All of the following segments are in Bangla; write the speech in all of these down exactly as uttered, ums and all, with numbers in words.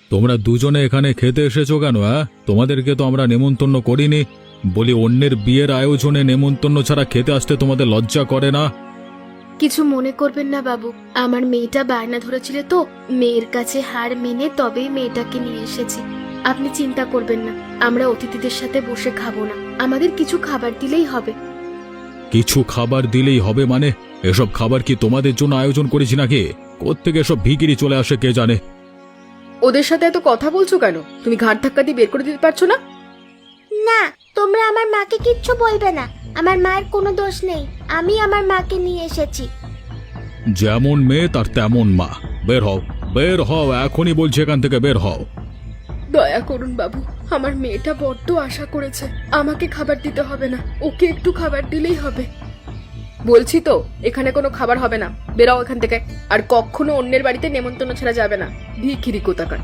তোমরা দুজনে এখানে খেতে এসেছো কেন? হ্যাঁ, তোমাদেরকে তো আমরা নেমন্তন্ন করিনি। বলি, অন্যের বিয়ের আয়োজনে নেমন্তন্ন ছাড়া খেতে আসতে তোমাদের লজ্জা করে না? কিছু মনে করবেন না বাবু, আমার মেয়েটা বায়না ধরেছিল তো, মেয়ের কাছে হার মেনে তবেই মেয়েটাকে নিয়ে এসেছি। আপনি চিন্তা করবেন না, আমরা অতিথিদের সাথে বসে খাবো না, আমাদের কিছু খাবার দিলেই হবে। কিছু খাবার দিলেই হবে মানে? এসব খাবার কি তোমাদের জন্য আয়োজন করেছি নাকি? কোত্থেকে এসব ভিখিরি চলে আসে কে জানে। ওদের সাথে এত কথা বলছো কেন? তুমি ঘাড় ধাক্কা দিয়ে বের করে দিতে পারছো না? না, তোমরা আমার মাকে কিচ্ছু বলবে না। আমার মায়ের কোনো দোষ নেই, আমি আমার মাকে নিয়ে এসেছি। যেমন মেয়ে তার তেমন মা। বের হও, বের হও, এখনই বলছি, এখান থেকে বের হও। দয়া করুন বাবু, আমার মেয়েটা বড্ড আশা করেছে, আমাকে খাবার দিতে হবে না, ওকে একটু খাবার দিলেই হবে। বলছি তো, এখানে কোনো খাবার হবে না, বেরাও এখান থেকে। আর কখনো অন্যের বাড়িতে নেমন্তন্ন ছাড়া যাবে না, ভিখিরি কোথাকার।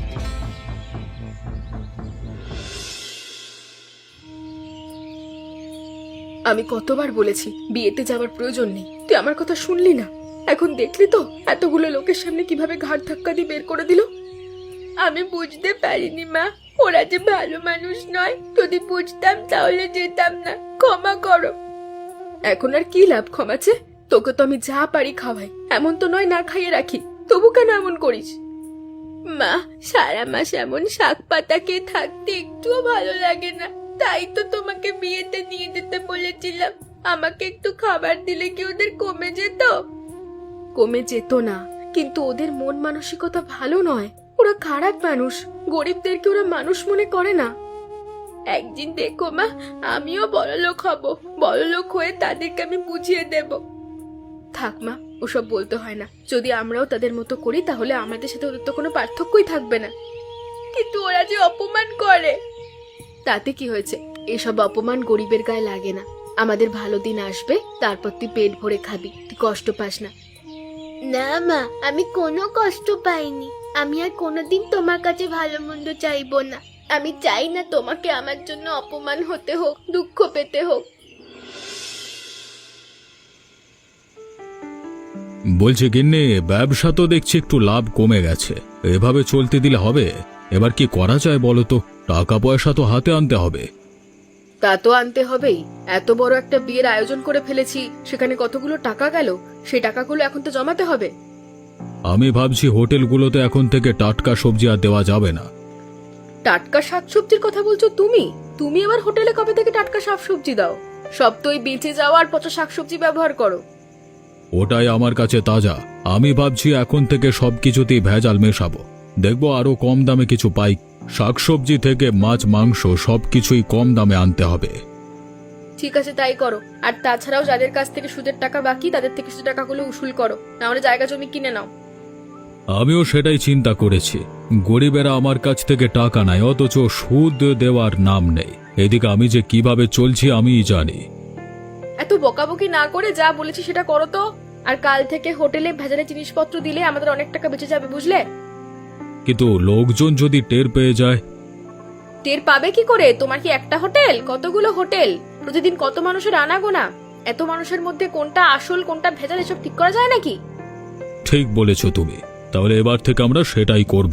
আমি কতবার বলেছি বিয়েতে যাওয়ার প্রয়োজন নেই, তুই আমার কথা শুনলি না। এখন দেখলি তো এতগুলো লোকের সামনে কিভাবে ঘাড় ধাক্কা দিয়ে বের করে দিল। আমি বুঝতে পারিনি মা, ওরা যে ভালো মানুষ নয়, যদি বুঝতাম তাহলে যেতাম না, ক্ষমা করো। এখন আর কি লাভ ক্ষমাছে? তোকে তো আমি যা পারি খাওয়াই, এমন তো নয় না খাইয়ে রাখি, তবু কেন এমন করিস? মা, সারা মাস এমন শাক পাতা খেয়ে থাকতে একটুও ভালো লাগে না, তাই তো তোমাকে বিয়েতে নিয়ে যেতে বলেছিলাম। আমাকে একটু খাবার দিলে কি ওদের কমে যেত? কমে যেত না, কিন্তু ওদের মন মানসিকতা ভালো নয়, ওরা খারাপ মানুষ, গরিবদেরকে ওরা মানুষ মনে করে না। একদিন দেখো মা, আমিও বড়লোক হব, বড়লোক হয়ে তাদেরকে আমি বুঝিয়ে দেব। থাক মা, ওসব বলতে হয় না, যদি আমরাও তাদের মতো করি তাহলে আমাদের সাথে ওদের তো কোনো পার্থক্যই থাকবে না। কিন্তু ওরা যে অপমান করে। তাতে কি হয়েছে? এসব অপমান গরিবের গায়ে লাগে না। আমাদের ভালো দিন আসবে, তারপর তুই পেট ভরে খাবি, তুই কষ্ট পাস না। না মা, আমি কোনো কষ্ট পাইনি। আমি আর কোনোদিন তোমার কাছে ভালো মন্দ চাইবো না। আমি চাই না তোমাকে আমার জন্য অপমান হতে হোক, দুঃখ পেতে হোক। বলছে গিন্নি, ব্যবসা তো দেখছি একটু লাভ কমে গেছে, এভাবে চলতে দিলে হবে? এবার কি করা যায় বলো তো? টাকা পয়সা তো হাতে আনতে হবে। তা তো আনতে হবেই, এত বড় একটা বিয়ের আয়োজন করে ফেলেছি, সেখানে কতগুলো টাকা গেল, সেই টাকাগুলো এখন তো জমাতে হবে। আমি ভাবছি হোটেলগুলোতে এখন থেকে টাটকা সবজি আর দেওয়া যাবে না। টাটকা শাকসবজির কথা বলছো তুমি? তুমি আবার হোটেলে কবে থেকে টাটকা শাকসবজি দাও? সব তো ওই বেঁচে যাওয়া আর পচা শাকসবজি ব্যবহার করো। ওটাই আমার কাছে তাজা। আমি ভাবছি এখন থেকে সবকিছুতেই ভেজাল মেশাবো, দেখবো আরো কম দামে কিছু পাই। শাকসবজি থেকে মাছ মাংস সবকিছুই কম দামে আনতে হবে। ঠিক আছে, তাই করো। আর তাছাড়াও যাদের কাছ থেকে সুদের টাকা বাকি, তাদের থেকে সুদের টাকাগুলো উসুল করো, না হলে জায়গা জমি কিনে নাও। আমিও সেটাই চিন্তা করেছি। গরিবেরা আমার কাছ থেকে টাকা নেয়, অথচ সুদ দেওয়ার নাম নেই। এদিকে আমি যে কিভাবে চলছি আমিই জানি। এত বকাবকি না করে যা বলেছি সেটা করো তো। আর কাল থেকে হোটেলে ভেজালে জিনিসপত্র দিলে আমাদের অনেক টাকা বেঁচে যাবে, বুঝলে? কিন্তু লোকজন যদি টের পেয়ে যায়? টের পাবে কি করে? তোমার কি একটা হোটেল? কতগুলো হোটেল, প্রতিদিন কত মানুষের আনাগোনা, এত মানুষের মধ্যে কোনটা আসল কোনটা ভেজাল এসব ঠিক করা যায় নাকি? ঠিক বলেছ তুমি, তাহলে এবার থেকে আমরা সেটাই করব।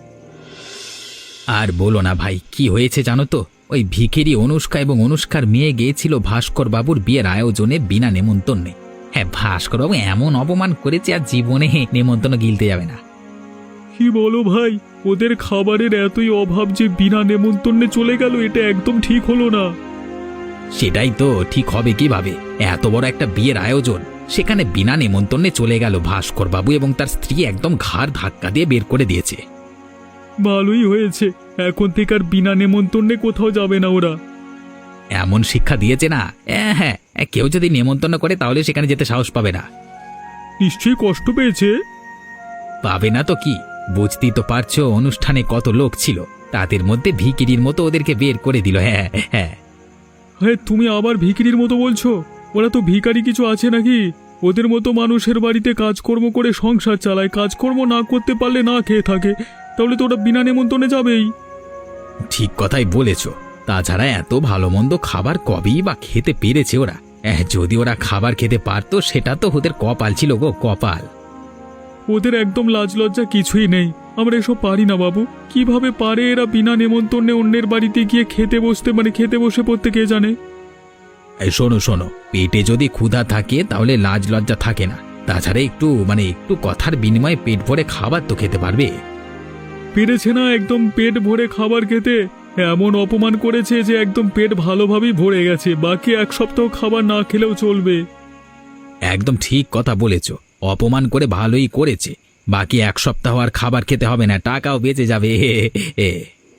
আর বলো না ভাই, কি হয়েছে জানো তো? ওই ভিখিরি অনুষ্কা এবং অনুষ্কার মেয়ে গিয়েছিল ভাস্কর বাবুর বিয়ের আয়োজনে বিনা নেমন্তন্নে। হ্যাঁ, ভাস্কর বাবু এমন অপমান করেছে আর জীবনে নেমন্তন্ন গিলতে যাবে না। কি বলো ভাই, ওদের খাবারের এতই অভাব যে বিনা নেমন্তন্নে চলে গেল, এটা একদম ঠিক হলো না। সেটাই তো, ঠিক হবে কিভাবে? এত বড় একটা বিয়ের আয়োজন, সেখানে বিনা নেমন্তন্নে চলে গেল ভাস্কর বাবু এবং তার স্ত্রী একদম ঘাড় ধাক্কা দিয়ে বের করে দিয়েছে। ভালোই হয়েছে, এখন থেকে আর বিনা নেমন্তন্নে কোথাও যাবে না ওরা। এমন শিক্ষা দিয়েছে না। হ্যাঁ হ্যাঁ, কেউ যদি নেমন্তন্ন করে তাহলে সেখানে যেতে সাহস পাবে না। নিশ্চয়ই কষ্ট পেয়েছে। পাবে না তো কি? বুঝতেই তো পারছো অনুষ্ঠানে কত লোক ছিল, তাদের মধ্যে ভিকিরির মতো ওদেরকে বের করে দিল। হ্যাঁ হ্যাঁ হ্যাঁ, তুমি আবার ভিখিরির মতো বলছো? ওরা তো ভিখারি কিছু আছে নাকি? ওদের মতো মানুষের বাড়িতে কাজকর্ম করে সংসার চালায়, কাজকর্ম না করতে পারলে না খেয়ে থাকে, তাহলে তো ওরা বিনা নেমন্তন্নে যাবেই। ঠিক কথাই বলেছ। তাছাড়া এত ভালো মন্দ খাবার কবেই বা খেতে পেরেছে ওরা? যদি ওরা খাবার খেতে পারতো সেটা তো ওদের কপাল ছিল গো, কপাল। ওদের একদম লাজ লজ্জা কিছুই নেই। আমরা এসব পারি না বাবু। কিভাবে পারে এরা বিনা নেমন্তন্নে অন্যের বাড়িতে গিয়ে খেতে বসতে, মানে খেতে বসে পড়তে কে জানে। এই শোনো শোনো, পেটে যদি ক্ষুধা থাকে তাহলে লাজ লজ্জা থাকে না। তাছাড়া একটু মানে একটু কথার বিনিময়ে পেট ভরে খাবার তো খেতে পারবে। পেরেছে না একদম পেট ভরে খাবার খেতে? এমন অপমান করেছে যে একদম পেট ভালোভাবেই ভরে গেছে, বাকি এক সপ্তাহ খাবার না খেলেও চলবে। একদম ঠিক কথা বলেছ, অপমান করে ভালোই করেছে। বাকি এক সপ্তাহ আর খাবার খেতে হবে না, টাকাও বেঁচে যাবে। এ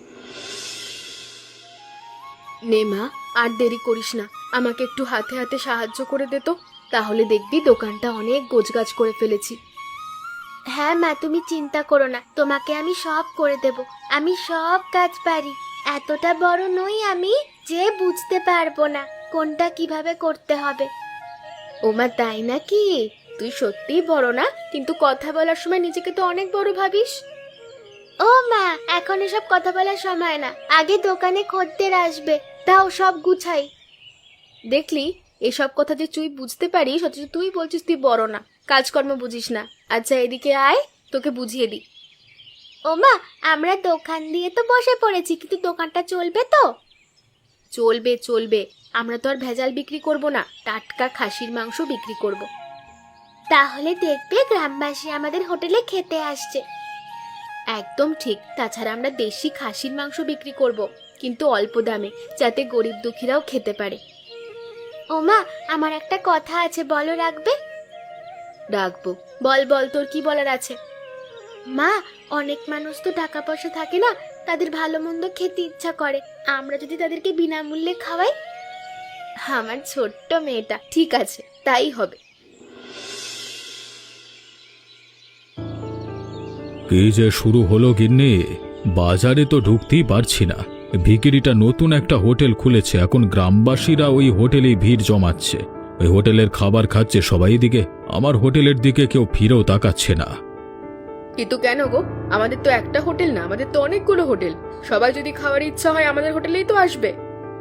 নে মা, আর দেরি করিস না, আমাকে একটু হাতে হাতে সাহায্য করে দে তো, তাহলে দেখবি দোকানটা অনেক গোছগাছ করে ফেলেছি। হ্যাঁ মা, তুমি চিন্তা করো না, তোমাকে আমি সব করে দেব। আমি সব কাজ পারি। এতটা বড় নই আমি যে বুঝতে পারবো না কোনটা কিভাবে করতে হবে। ও মা, তাই নাকি? তুই সত্যিই বড় না, কিন্তু কথা বলার সময় নিজেকে তো অনেক বড় ভাবিস। ও মা, এখন এসব কথা বলার সময় না, আগে দোকানে খদ্দের আসবে, তাও সব গুছাই। দেখলি, এসব কথা যে তুই বুঝতে পারিস, অথচ তুই বলছিস তুই বড় না, কাজকর্ম বুঝিস না। আচ্ছা এদিকে আয়, তোকে বুঝিয়ে দিই। ও মা, আমরা দোকান দিয়ে তো বসে পড়েছি, কিন্তু দোকানটা চলবে তো? চলবে চলবে, আমরা তো আর ভেজাল বিক্রি করব না, টাটকা খাসির মাংস বিক্রি করব। তাহলে দেখবে গ্রামবাসী আমাদের হোটেলে খেতে আসছে। একদম ঠিক। তাছাড়া আমরা দেশি খাসির মাংস বিক্রি করব, কিন্তু অল্প দামে, যাতে গরিব দুঃখীরাও খেতে পারে। ও মা, আমার একটা কথা আছে, বলো রাখবে? রাখবো। বল বল, তোর কি বলার আছে? মা, অনেক মানুষ তো টাকা পয়সা থাকে না, তাদের ভালো মন্দ খেতে ইচ্ছা করে। আমরা যদি তাদেরকে বিনামূল্যে খাওয়াই? আমার ছোট্ট মেয়েটা, ঠিক আছে, তাই হবে। কি যে শুরু হলো গিন্নি, বাজারে তো ঢুকতেই পারছি না। ভিকিরিটা নতুন একটা হোটেল খুলেছে, এখন গ্রামবাসীরা ওই হোটেলেই ভিড় জমাচ্ছে। ওই হোটেলের খাবার খাচ্ছে সবাই, দিকে আমার হোটেলের দিকে কেউ ফিরেও তাকাচ্ছে না। কিন্তু কেন গো? আমাদের তো একটা হোটেল না, আমাদের তো অনেকগুলো হোটেল। সবাই যদি খাওয়ার ইচ্ছা হয় আমাদের হোটেলেই তো আসবে।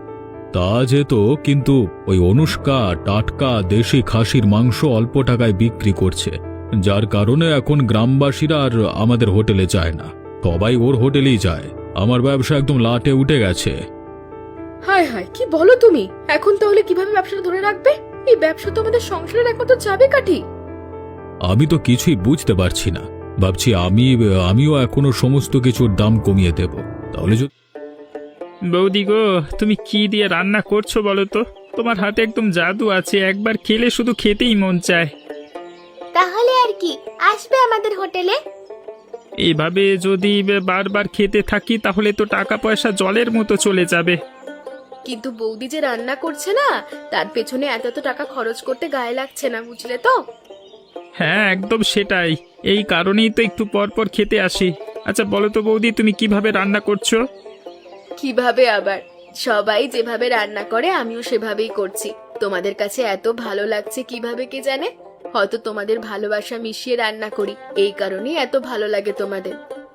তা যেত, কিন্তু ওই অনুষ্কা টাটকা দেশি খাসির মাংস অল্প টাকায় বিক্রি করছে, যার কারণে এখন গ্রামবাসীরা আর আমাদের হোটেলে যায় না, সবাই ওর হোটেলেই যায়। আমার ব্যবসা একদম লাটে উঠে গেছে। হায় হায়, কি বলো তুমি? এখন তাহলে কিভাবে ব্যবসাটা ধরে রাখবে? এই ব্যবসা তো আমাদের সংসারের একমাত্র চাবিকাঠি। আমি তো কিছুই বুঝতে পারছি না। ভাবছি আমি আমিও এখনো সমস্ত কিছুর দাম কমিয়ে দেব, তাহলে যদি। বৌদি গো, তুমি কি দিয়ে রান্না করছো বলো তো? তোমার হাতে একদম জাদু আছে, একবার খেলে শুধু খেতেই মন চায়। তাহলে আর কি, আসবে আমাদের হোটেলে। এইভাবে যদি বারবার খেতে থাকি তাহলে তো টাকা পয়সা জলের মতো চলে যাবে। কিন্তু বৌদি যে রান্না করছে না, তার পেছনে এত এত টাকা খরচ করতে গায়ে লাগছে না, বুঝলে তো? হ্যাঁ, একদম সেটাই। এই কারণেই তো একটু পর পর খেতে আসি। আচ্ছা বলো তো বৌদি, তুমি কিভাবে রান্না করছো? কিভাবে আবার, সবাই যেভাবে রান্না করে আমিও সেভাবেই করছি। তোমাদের কাছে এত ভালো লাগছে কিভাবে কে জানে? হয়তো তোমাদের ভালোবাসা মিশিয়ে রান্না করি, এই কারণেই এত ভালো লাগে তোমাদের।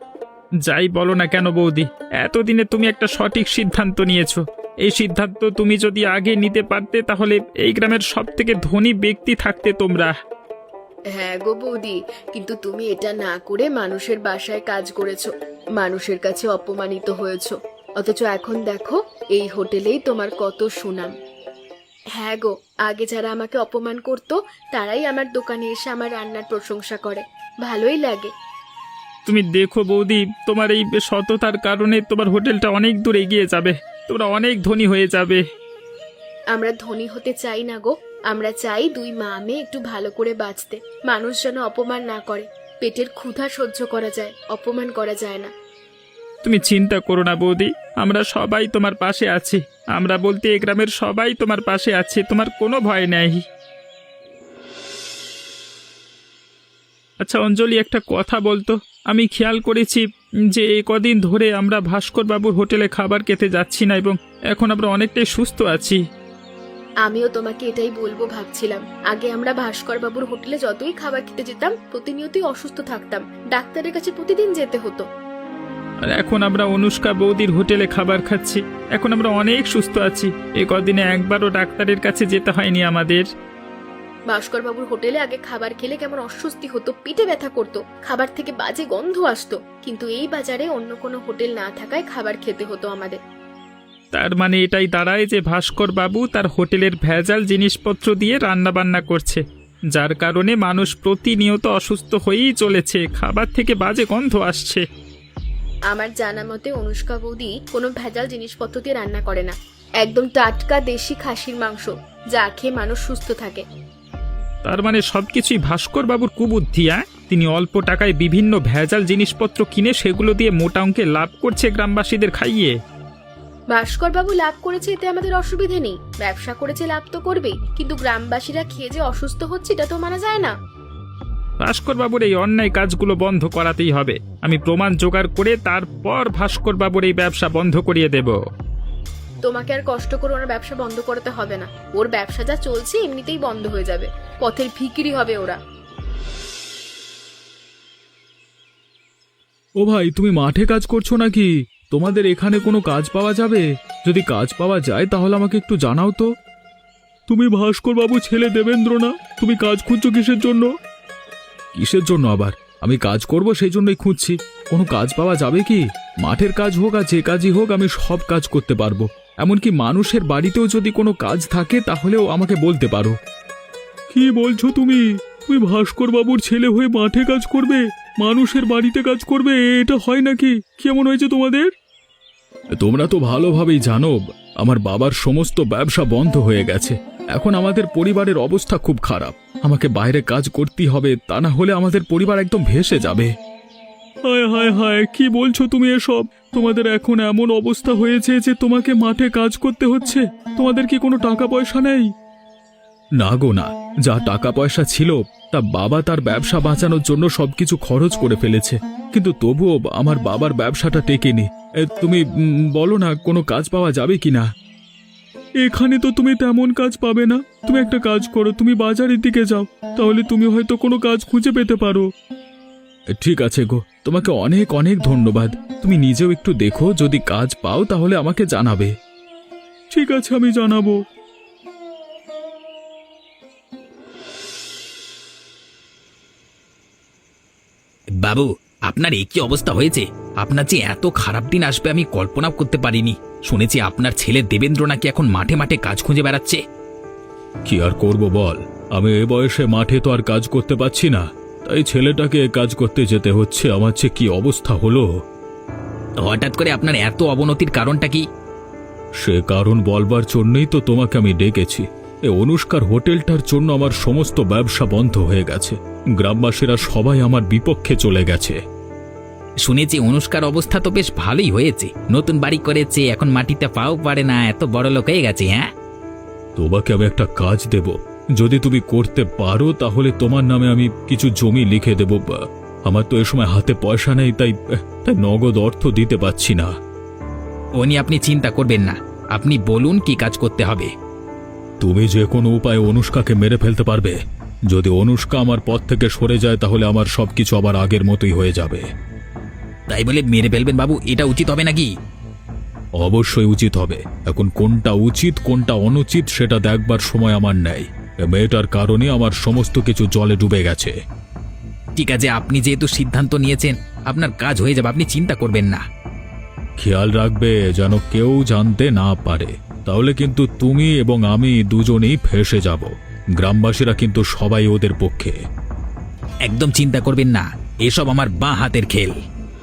যাই বলো না কেন বৌদি, এতদিনে তুমি একটা সঠিক সিদ্ধান্ত নিয়েছো। এই সিদ্ধান্ত তুমি যদি আগে নিতে পারতে তাহলে এই গ্রামের সব থেকে ধনী ব্যক্তি থাকতে তোমরা। হ্যাঁ গো বৌদি, কিন্তু তুমি এটা না করে মানুষের বাসায় কাজ করেছো, মানুষের কাছে অপমানিত হয়েছো, অথচ এখন দেখো এই হোটেলেই তোমার কত সুনাম। হ্যাঁ গো, আগে যারা আমাকে অপমান করতো তারাই আমার দোকানে এসে আমার রান্নার প্রশংসা করে, ভালোই লাগে। তুমি দেখো বৌদি, তোমার এই সততার কারণে তোমার হোটেলটা অনেক দূর এগিয়ে যাবে, তোমরা অনেক ধনী হয়ে যাবে। আমরা ধনী হতে চাই না গো, আমরা চাই দুই মা মেয়ে একটু ভালো করে বাঁচতে, মানুষ যেন অপমান না করে। পেটের ক্ষুধা সহ্য করা যায়, অপমান করা যায় না। তুমি চিন্তা করো না বৌদি, আমরা সবাই তোমার পাশে আছি। আমরা বলতে এই গ্রামের সবাই তোমার পাশে আছে, তোমার কোনো ভয় নেই। আচ্ছা অঞ্জলি, একটা কথা বলতো, আমি খেয়াল করেছি যে এই কদিন ধরে আমরা ভাস্কর বাবুর হোটেলে খাবার খেতে যাচ্ছি না, এবং এখন আমরা অনেকটাই সুস্থ আছি। আমিও তোমাকে এটাই বলবো ভাবছিলাম। আগে আমরা ভাস্কর বাবুর হোটেলে যতই খাবার খেতে যেতাম প্রতিনিয়তই অসুস্থ থাকতাম, ডাক্তারের কাছে প্রতিদিন যেতে হতো। আর এখন আমরা অনুষ্কা বৌদির হোটেলে খাবার খাচ্ছি, এখন আমরা অনেক সুস্থ আছি। এ কদিনে একবারও ডাক্তারের কাছে যেতে হয়নি আমাদের। ভাস্কর বাবুর হোটেলে আগে খাবার খেলে কেমন অস্বস্তি হতো, পেটে ব্যথা করতো, খাবার থেকে বাজে গন্ধ আসতো, কিন্তু এই বাজারে অন্য কোনো হোটেল না থাকায় খাবার খেতে হতো আমাদের। তার মানে এটাই দাঁড়ায় যে ভাস্কর বাবু তার হোটেলের ভেজাল জিনিসপত্র দিয়ে রান্না বান্না করছে, যার কারণে মানুষ প্রতিনিয়ত অসুস্থ হয়েই চলেছে, খাবার থেকে বাজে গন্ধ আসছে। আমার জানা মতে অনুষ্কা বৌদি কোনো ভেজাল জিনিসপত্র দিয়ে রান্না করে না, একদম টাটকা দেশি খাসির মাংস, যা খেয়ে মানুষ সুস্থ থাকে। তার মানে সবকিছুই ভাস্কর বাবুর কুবুদ্ধি। হ্যাঁ, তিনি অল্প টাকায় বিভিন্ন ভেজাল জিনিসপত্র কিনে সেগুলো দিয়ে মোটা অঙ্কে লাভ করছে গ্রামবাসীদের খাইয়ে। ভাস্কর বাবু লাভ করেছে, এতে আমাদের অসুবিধে নেই, ব্যবসা করেছে লাভ তো করবেই, কিন্তু গ্রামবাসীরা খেয়ে যে অসুস্থ হচ্ছে এটা তো মানা যায় না। ভাস্কর বাবুর এই অন্যায় কাজগুলো বন্ধ করাতেই হবে। আমি প্রমাণ জোগাড় করে তারপর ভাস্কর বাবুর এই ব্যবসা বন্ধ করিয়ে দেব। তোমাকে আর কষ্ট করে ওনার ব্যবসা বন্ধ করতে হবে না, ওর ব্যবসা যা চলছে এমনিতেই বন্ধ হয়ে যাবে, পথের ভিখিরি হবে ওরা। ও ভাই, তুমি মাঠে কাজ করছো নাকি? তোমাদের এখানে কোনো কাজ পাওয়া যাবে? যদি কাজ পাওয়া যায় তাহলে আমাকে একটু জানাও তো। তুমি ভাস্কর বাবু ছেলে দেবেন্দ্র না? তুমি কাজ খুঁজছো কিসের জন্য? কিসের জন্য আবার? আমি কাজ করব সেই জন্যই খুঁজছি। কোনো কাজ পাওয়া যাবে কি? মাঠের কাজ হোক আর যে কাজই হোক, আমি সব কাজ করতে পারবো। এমনকি মানুষের বাড়িতেও যদি কোনো কাজ থাকে তাহলেও আমাকে বলতে পারো। কি বলছো তুমি? তুমি ভাস্কর বাবুর ছেলে হয়ে মাঠে কাজ করবে, মানুষের বাড়িতে কাজ করবে? এটা হয় নাকি? কেমন হয়েছে তোমাদের? তোমরা তো ভালোভাবেই জানো আমার বাবার সমস্ত ব্যবসা বন্ধ হয়ে গেছে। এখন আমাদের পরিবারের অবস্থা খুব খারাপ। আমাকে বাইরে কাজ করতেই হবে, তা না হলে আমাদের পরিবার একদম ভেসে যাবে। হায় হায় হায়, কি বলছো তুমি এসব? তোমাদের এখন এমন অবস্থা হয়েছে যে তোমাকে মাঠে কাজ করতে হচ্ছে? তোমাদের কি কোনো টাকা পয়সা নেই? না গো না, যা টাকা পয়সা ছিল তা বাবা তার ব্যবসা বাঁচানোর জন্য সবকিছু খরচ করে ফেলেছে, কিন্তু তবুও আমার বাবার ব্যবসাটা টেকেনি। এ, তুমি উম, বলো না কোনো কাজ পাওয়া যাবে কিনা? এখানে তো তুমি তেমন কাজ পাবে না। তুমি একটা কাজ করো, তুমি বাজারের দিকে যাও, তাহলে তুমি হয়তো কোনো কাজ খুঁজে পেতে পারো। ঠিক আছে গো, তোমাকে অনেক অনেক ধন্যবাদ। তুমি নিজেও একটু দেখো, যদি কাজ পাও তাহলে আমাকে জানাবে। ঠিক আছে, আমি জানাবো। বাবু, আপনার এই কি অবস্থা হয়েছে? আপনার যে এত খারাপ দিন আসবে আমি কল্পনা করতে পারিনি। শুনেছি আপনার ছেলে দেবেন্দ্র নাকি এখন মাঠে মাঠে কাজ খুঁজে বেড়াচ্ছে। কি আর করব বল, আমি এ বয়সে মাঠে তো আর কাজ করতে পারছি না, তাই ছেলেটাকে কাজ করতে যেতে হচ্ছে। আমার যে কি অবস্থা হলো! হঠাৎ করে আপনার এত অবনতির কারণটা কি? সে কারণ বলবার জন্যই তো তোমাকে আমি ডেকেছি। এ অনুষ্কার হোটেলটার জন্য আমার সমস্ত ব্যবসা বন্ধ হয়ে গেছে। গ্রামবাসীরা সবাই আমার বিপক্ষে চলে গেছে। শুনেছি অনুষ্কার অবস্থা তো বেশ ভালোই হয়েছে, নতুন বাড়ি করেছে, এখন মাটিতে পাও পারে না, এত বড় লোক হয়ে গেছে। হ্যাঁ, তোমাকে আমি একটা কাজ দেব, যদি তুমি করতে পারো তাহলে তোমার নামে আমি কিছু জমি লিখে দেব। আমার তো এ সময় হাতে পয়সা নেই, তাই তাই নগদ অর্থ দিতে পারছি না। ও নিয়ে আপনি চিন্তা করবেন না, আপনি বলুন কি কাজ করতে হবে। তুমি যে কোনো উপায়ে অনুষ্কাকে মেরে ফেলতে পারবে। যদি অনুষ্কা আমার পথ থেকে সরে যায় তাহলে আমার সবকিছু আবার আগের মতোই হয়ে যাবে। তাই বলে মেরে ফেলবেন বাবু, এটা উচিত হবে নাকি? অবশ্যই উচিত হবে। এখন কোনটা উচিত কোনটা অনুচিত সেটা দেখবার সময় আমার নেই। এ মেয়েটার কারণে আমার সমস্ত কিছু জলে ডুবে গেছে। ঠিক আছে, আপনি যেহেতু সিদ্ধান্ত নিয়েছেন আপনার কাজ হয়ে যাবে, আপনি চিন্তা করবেন না। খেয়াল রাখবে যেন কেউ জানতে না পারে, তাহলে কিন্তু তুমি এবং আমি দুজনেই ফেঁসে যাব। গ্রামবাসীরা কিন্তু সবাই ওদের পক্ষে। একদম চিন্তা করবেন না, এসব আমার বাঁ হাতের খেল।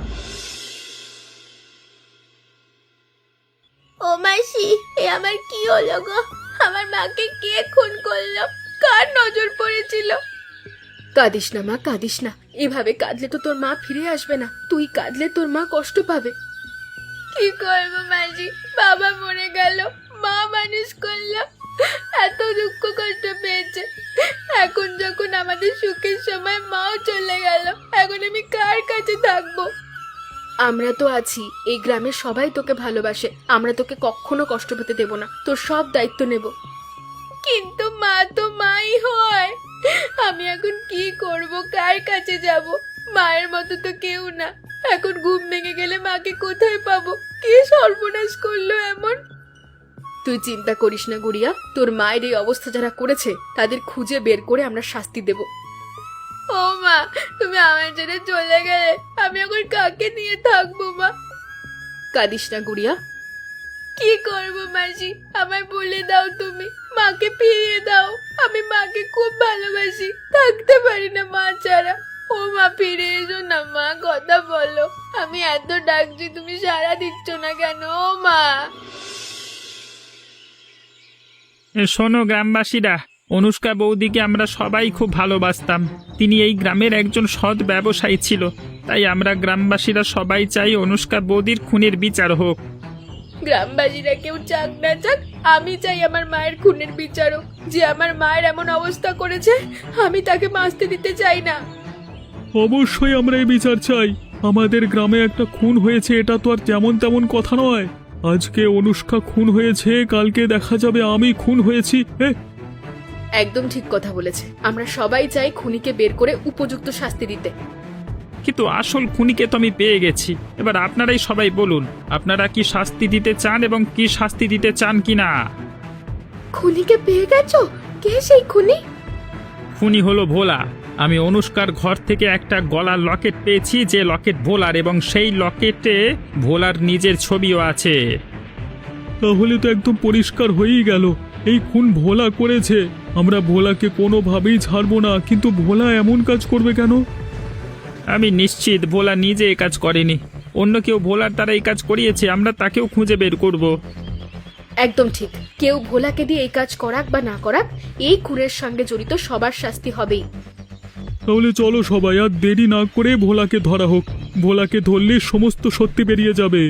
ও মাসি, এ আমার কি হলো গো? আমার মাকে কে খুন করলো? কার নজর পড়েছিল? কাঁদিস না মা, কাঁদিস না। এভাবে কাঁদলে তো তোর মা ফিরে আসবে না, তুই কাঁদলে তোর মা কষ্ট পাবে। কি করবো মাসি, বাবা মরে গেল, মা মানুষ করলো, এত দুঃখ কষ্ট পেয়েছে। এখন যখন আমাদের সুখের সময় মাও চলে গেল, এখন আমি কার কাছে থাকবো? আমরা তো আছি, এই গ্রামের সবাই তোকে ভালোবাসে, আমরা তোকে কখনো কষ্ট পেতে দেব না, তোর সব দায়িত্ব নেব। কিন্তু মা তো মাই হয়, আমি এখন কি করব, কার কাছে যাব? মায়ের মতো তো কেউ না। এখন ঘুম ভেঙে গেলে মাকে কোথায় পাবো? কে সর্বনাশ করলো এমন? তুই চিন্তা করিস না গুড়িয়া, তোর মায়ের এই অবস্থা যারা করেছে তাদের খুঁজে বের করে আমরা শাস্তি দেব। ও মা, তুমি আমার ছেড়ে চলে গেলে আমি এখন কাকে নিয়ে থাকবো মা? কাঁদিস না গুড়িয়া। কি করবো মাসি, আমায় বলে দাও, তুমি মাকে ফিরিয়ে দাও। আমি মাকে খুব ভালোবাসি, থাকতে পারি না মা ছাড়া। ও মা, ফিরে এসো না মা, কথা বলো। আমি এত ডাকছি, তুমি সাড়া দিচ্ছ না কেন? ও মা। এ শোনো গ্রামবাসীরা, অনুষ্কা বৌদিকে আমরা সবাই খুব ভালোবাসতাম। তিনি এই গ্রামের একজন সৎ ব্যবসায়ী ছিল, তাই আমরা গ্রামবাসীরা সবাই চাই অনুষ্কা বৌদির খুনের বিচার হোক। গ্রামবাসীরা কেউ চাক না চাক, আমি চাই আমার মায়ের খুনের বিচার হোক। যে আমার মায়ের এমন অবস্থা করেছে, আমি তাকে বাঁচতে দিতে চাই না। অবশ্যই আমরা এই বিচার চাই। আমাদের গ্রামে একটা খুন হয়েছে, এটা তো আর যেমন তেমন কথা নয়। আজকে অনুষ্কা খুন হয়েছে, কালকে দেখা যাবে আমি খুন হয়েছি। এ, একদম ঠিক কথা বলেছে। আমরা সবাই চাই খুনিকে বের করে উপযুক্ত শাস্তি দিতে। কিন্তু আসল খুনিকে তো আমি পেয়ে গেছি। এবার আপনারাই সবাই বলুন, আপনারা কি শাস্তি দিতে চান এবং কি শাস্তি দিতে চান কিনা। খুনিকে পেয়ে গেছো? কে সেই খুনি? খুনি হলো ভোলা। আমি অনুষ্কার ঘর থেকে একটা গলার লকেট পেয়েছি, যে লকেট ভোলার, এবং সেই লকেটে ভোলার নিজের ছবিও আছে। তাহলে তো একদম পরিষ্কার হয়েই গেল, এই খুন ভোলা করেছে। আমরা ভোলাকে কোনোভাবেই ছাড়বো না, কিন্তু ভোলা এমন কাজ করবে কেন? আমি নিশ্চিত ভোলা নিজে এ কাজ করেনি, অন্য কেউ ভোলার দ্বারা এই কাজ করিয়েছে। আমরা তাকেও খুঁজে বের করব। একদম ঠিক। কেউ ভোলাকে দিয়ে এই কাজ করাক বা না করাক, এই খুনের সঙ্গে জড়িত সবার শাস্তি হবেই। তাহলে চলো সবাই, আর দেরি না করে ভোলাকে ধরা হোক। ভোলাকে ধরলে সমস্ত সত্যি বেরিয়ে যাবে।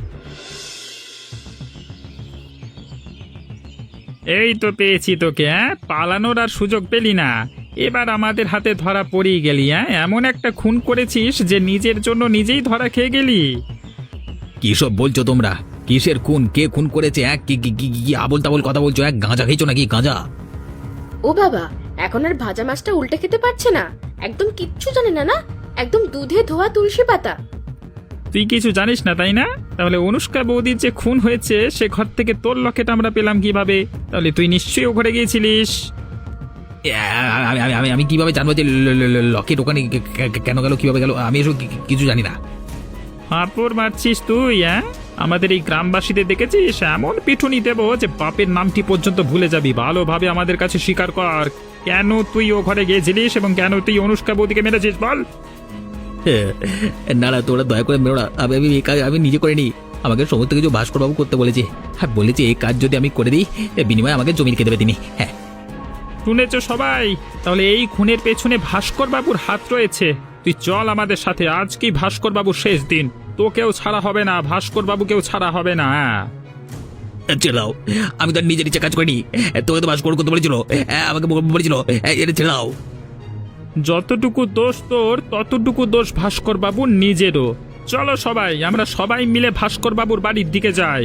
এই তো পেয়েছি তোকে। হ্যাঁ, পালানোর আর সুযোগ পেলি না। এবার আমাদের হাতে ধরা পড়েই গেলি। হ্যাঁ, এমন একটা খুন করেছিস যে নিজের জন্য নিজেই ধরা খেয়ে গেলি। কি সব বলছো তোমরা? কিসের খুন? কে খুন করেছে? এক কি কি কি- কি আবোল তাবোল কথা বলছো? এক গাঁজা খেয়েছো নাকি? গাঁজা? ও বাবা, এখন আর ভাজা মাছটা উল্টে খেতে পারছে না, একদম কিচ্ছু জানে না। না, একদম দুধে ধোয়া তুলসী পাতা। তুই কিছু জানিস না তাই না? তাহলে অনুষ্কা বৌদির যে খুন হয়েছে সে ঘর থেকে তোর লকেট আমরা পেলাম কিভাবে? তাহলে তুই নিশ্চয়ই ও ঘরে গিয়েছিলিস। এ, আমি আমি- আমি আমি কিভাবে জানবো যে ল- ল- ল- লকেট ওখানে কে- কে- কেন গেল, কিভাবে গেল? আমি এসব কি- কিছু জানি না। হাঁপড় মারছিস তুই? হ্যাঁ, আমাদের এই গ্রামবাসীদের দেখেছিস? এমন পিটুনি দেবো যে বাপের নামটি পর্যন্ত ভুলে যাবি। ভালোভাবে আমাদের কাছে স্বীকার কর, কেন তুই ও ঘরে গিয়েছিলিস এবং কেন তুই অনুষ্কা বৌদিকে মেরেছিস, বল। না না, তোরা দয়া করে মেরো না। আমি আমি এই কাজ আমি নিজে করে নিই। আমাকে সমস্ত কিছু ভাস্করবাবু করতে বলেছে। হ্যাঁ, বলেছে এই কাজ যদি আমি করে দিই, এর বিনিময়ে আমাকে জমি রেখে দেবে তিনি। হ্যাঁ, শুনেছ সবাই? তাহলে এই খুনের পেছনে ভাস্কর বাবুর হাত রয়েছে। তুই চল আমাদের সাথে, আজকেই ভাস্কর বাবুর শেষ দিন। তোকেও ছাড়া হবে না, ভাস্কর বাবুকেও ছাড়া হবে না। ছেড়ে দাও। আমি তো আর নিজের ইচ্ছা কাজ করিনি। তোকে তো ভাস্কর করতে বলেছিল, হ্যাঁ, আমাকে বলেছিল। এটা ছেড়ে দাও। যতটুকু দোষ তোর, ততটুকু দোষ ভাস্কর বাবুর নিজেরও। চলো সবাই, আমরা সবাই মিলে ভাস্কর বাবুর বাড়ির দিকে যাই।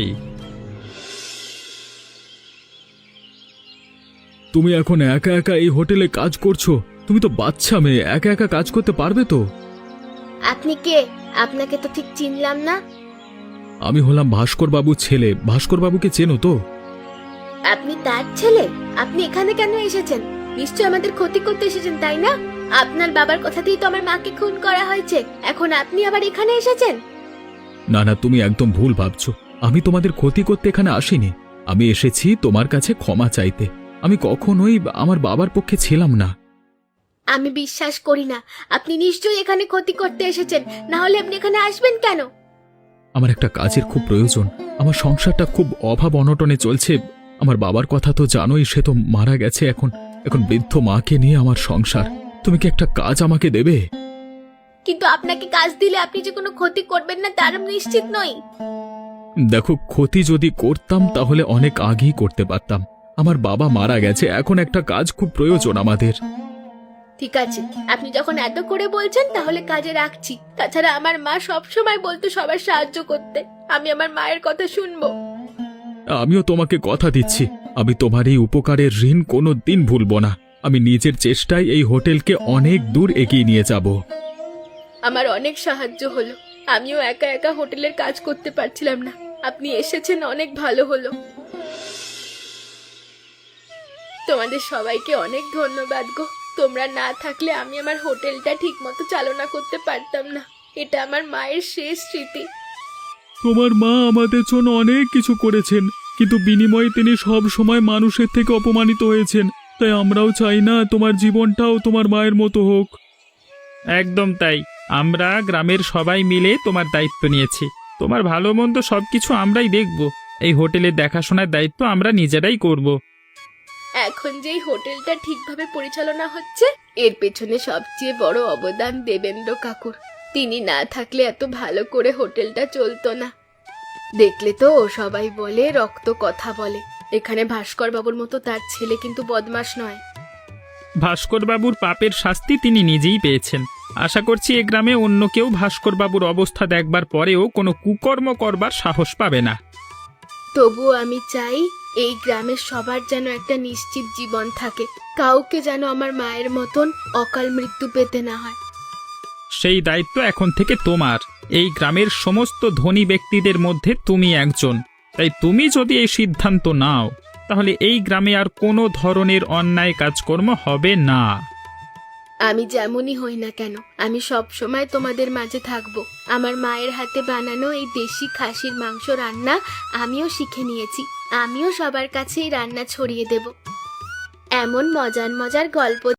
তুমি এখন একা একা এই হোটেলে কাজ করছো? তুমি তো বাচ্চা মেয়ে, একা একা কাজ করতে পারবে তো? আপনি কে? আপনাকে তো ঠিক চিনলাম না। আমি হলাম ভাস্কর বাবুর ছেলে। ভাস্কর বাবুকে চেনো তো? আপনি তার ছেলে? আপনি এখানে কেন এসেছেন? নিশ্চয় আমাদের ক্ষতি করতে এসেছেন, তাই না? আপনার বাবার কথাতেই তো আমার মাকে খুন করা হয়েছে, এখন আপনি আবার এখানে এসেছেন? না না, তুমি একদম ভুল ভাবছো। আমি তোমাদের ক্ষতি করতে এখানে আসিনি। আমি এসেছি তোমার কাছে ক্ষমা চাইতে। আমি কখনোই আমার বাবার পক্ষে ছিলাম না। আমি বিশ্বাস করি না। আপনি নিশ্চয়ই এখানে ক্ষতি করতে এসেছেন, না হলে আপনি এখানে আসবেন কেন? আমার একটা কাজের খুব প্রয়োজন। আমার সংসারটা খুব অভাব অনটনে চলছে। আমার বাবার কথা তো জানোই, সে তো মারা গেছে। এখন এখন বৃদ্ধ মাকে নিয়ে আমার সংসার। তুমি কি একটা কাজ আমাকে দেবে? কিন্তু আপনাকে কাজ দিলে আপনি যে কোনো ক্ষতি করবেন না তার আমি নিশ্চিত নই। দেখো, ক্ষতি যদি করতাম তাহলে অনেক আগেই করতে পারতাম। আমার বাবা মারা গেছে, এখন একটা কাজ খুব প্রয়োজন আমাদের। ঠিক আছে, আপনি যখন এত করে বলছেন তাহলে কাজে রাখছি। তাছাড়া আমার মা সব সময় বলতো সবার সাহায্য করতে। আমি আমার মায়ের কথা শুনবো। আমিও তোমাকে কথা দিচ্ছি, আমি তোমার এই উপকারের ঋণ কোনো দিন ভুলবো না। আমি নিজের চেষ্টায় এই হোটেলকে অনেক দূর এগিয়ে নিয়ে যাব। আমার অনেক সাহায্য হলো। আমিও একা একা হোটেলের কাজ করতে পারছিলাম না, আপনি এসেছেন, অনেক ভালো হলো। তোমাদের সবাইকে অনেক ধন্যবাদ গো। তোমরা না থাকলে আমি আমার হোটেলটা ঠিক মতো চালনা করতে পারতাম না। এটা আমার মায়ের শেষ স্মৃতি। তোমার মা আমাদের জন্য অনেক কিছু করেছেন, কিন্তু বিনিময়ে তিনি সব সময় মানুষের থেকে অপমানিত হয়েছেন। তাই আমরাও চাই না তোমার জীবনটাও তোমার মায়ের মতো হোক। একদম তাই। আমরা গ্রামের সবাই মিলে তোমার দায়িত্ব নিয়েছি। তোমার ভালো মন্দ সবকিছু আমরাই দেখব। এই হোটেলের দেখাশোনার দায়িত্ব আমরা নিজেরাই করব। এখন যেই হোটেলটা ঠিকভাবে পরিচালনা হচ্ছে, এর পেছনে সবচেয়ে বড় অবদান দেবেন্দ্র কাকুর। তিনি না থাকলে এত ভালো করে হোটেলটা চলতো না। দেখলে তো সবাই বলে রক্ত কথা বলে। এখানে ভাস্কর বাবুর মতো তার ছেলে কিন্তু বদমাশ নয়। ভাস্কর বাবুর পাপের শাস্তি তিনি নিজেই পেয়েছেন। আশা করছি এ গ্রামে অন্য কেউ ভাস্কর বাবুর অবস্থা দেখবার পরেও কোনো কুকর্ম করবার সাহস পাবে না। তবুও আমি চাই এই গ্রামের সবার যেন একটা নিশ্চিত জীবন থাকে। কাউকে যেন আমার মায়ের মতন অকাল মৃত্যু পেতে না হয়। সেই দায়িত্ব এখন থেকে তোমার। এই গ্রামের সমস্ত ধনী ব্যক্তিদের মধ্যে তুমি একজন। তাই তুমি যদি এই সিদ্ধান্ত নাও, তাহলে এই গ্রামে আর কোনো ধরনের অন্যায় কাজকর্ম হবে না। আমি যেমনই হই না কেন, আমি সব সময় তোমাদের মাঝে থাকবো। আমার মায়ের হাতে বানানো এই দেশি খাসির মাংস রান্না আমিও শিখে নিয়েছি। আমিও সবার কাছে এই রান্না ছড়িয়ে দেব। এমন মজার মজার গল্প